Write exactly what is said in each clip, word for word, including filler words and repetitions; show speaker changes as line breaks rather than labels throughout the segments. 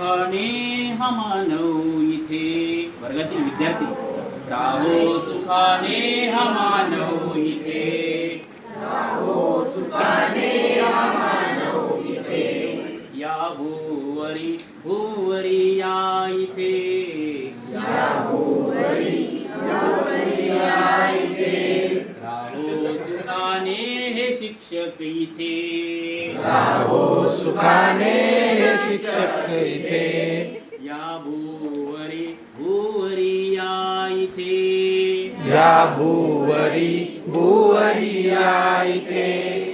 सुखाने हा मानव इथे. वर्गातील विद्यार्थी, राहो सुखाने हा मानव इथे.
राहो सुखाने हा मानव इथे.
या भूवरी भूवरी या इथे.
या भूवरी भूवरी या इथे.
राहो सुखाने हे शिक्षक इथे.
राहो सुखाने हे शिक्षक इथे.
या भूवरी भूवरी या इथे.
या भूवरी भूवरी या इथे.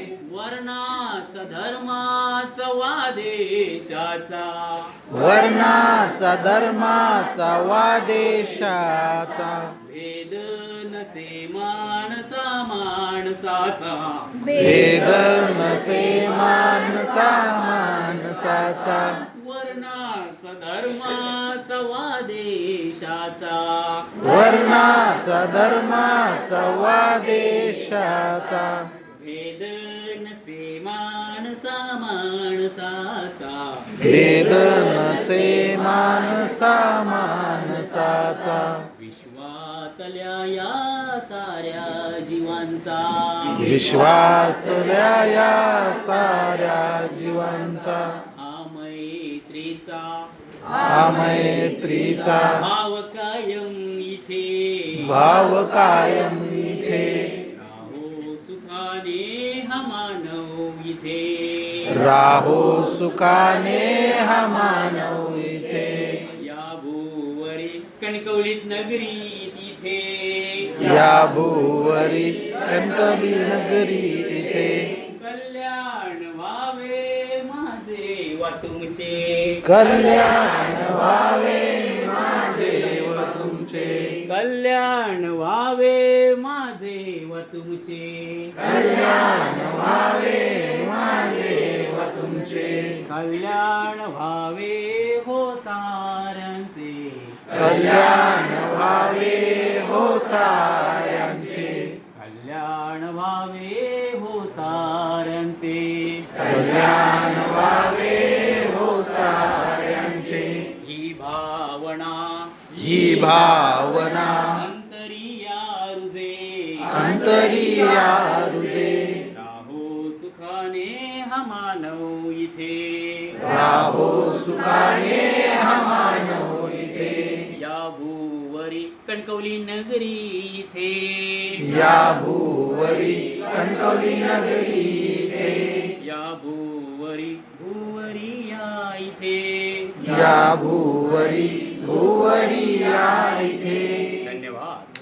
वर्णाचा धर्माचा वादेशाचा.
वर्णाचा धर्माचा वादेशाचा.
भेद नसे माणसा माणसाचा.
भेद नसे माणसा माणसाचा.
वर्णाचा धर्माचा वादेशाचा.
वर्णाचा धर्माचा वादेशाचा.
भेद नसे माणसा माणसाचा.
भेद नसे माणसा माणसाचा.
विश्वातल्या या साऱ्या जीवांचा.
विश्वासल्या या साऱ्या जीवांचा.
हा मैत्रीचा
हा मैत्रीचा
भाव कायम इथे.
भाव कायम इथे.
राहो सुखाने हा मानव इथे.
राहो सुखाने हा मानव इथे.
या भूवरी कणकवलीत नगरी इथे.
या भूवरी कणकवली नगरी इथे.
कल्याण व्हावे माझे वा तुमचे.
कल्याण व्हावे माझे व तुमचे.
कल्याण व्हावे माझे व तुमचे.
कल्याण व्हावे माझे व तुमचे.
कल्याण व्हावे हो साऱ्यांचे.
कल्याण व्हावे हो साऱ्यांचे.
कल्याण व्हावे हो साऱ्यांचे.
कल्याण व्हावे हो साऱ्यांचे.
ही भावना
ही भावना
अंतरिया रुजे.
अंतरिया रुजे.
राहो सुखाने हा मानव इथे.
राहो सुखाने हा मानव इथे.
या भूवरी कणकवली नगरी इथे.
या भूवरी कणकवली नगरी इथे.
या भूवरी भूवरी या इथे.
या भूवरी भूवरी या इथे.
धन्यवाद.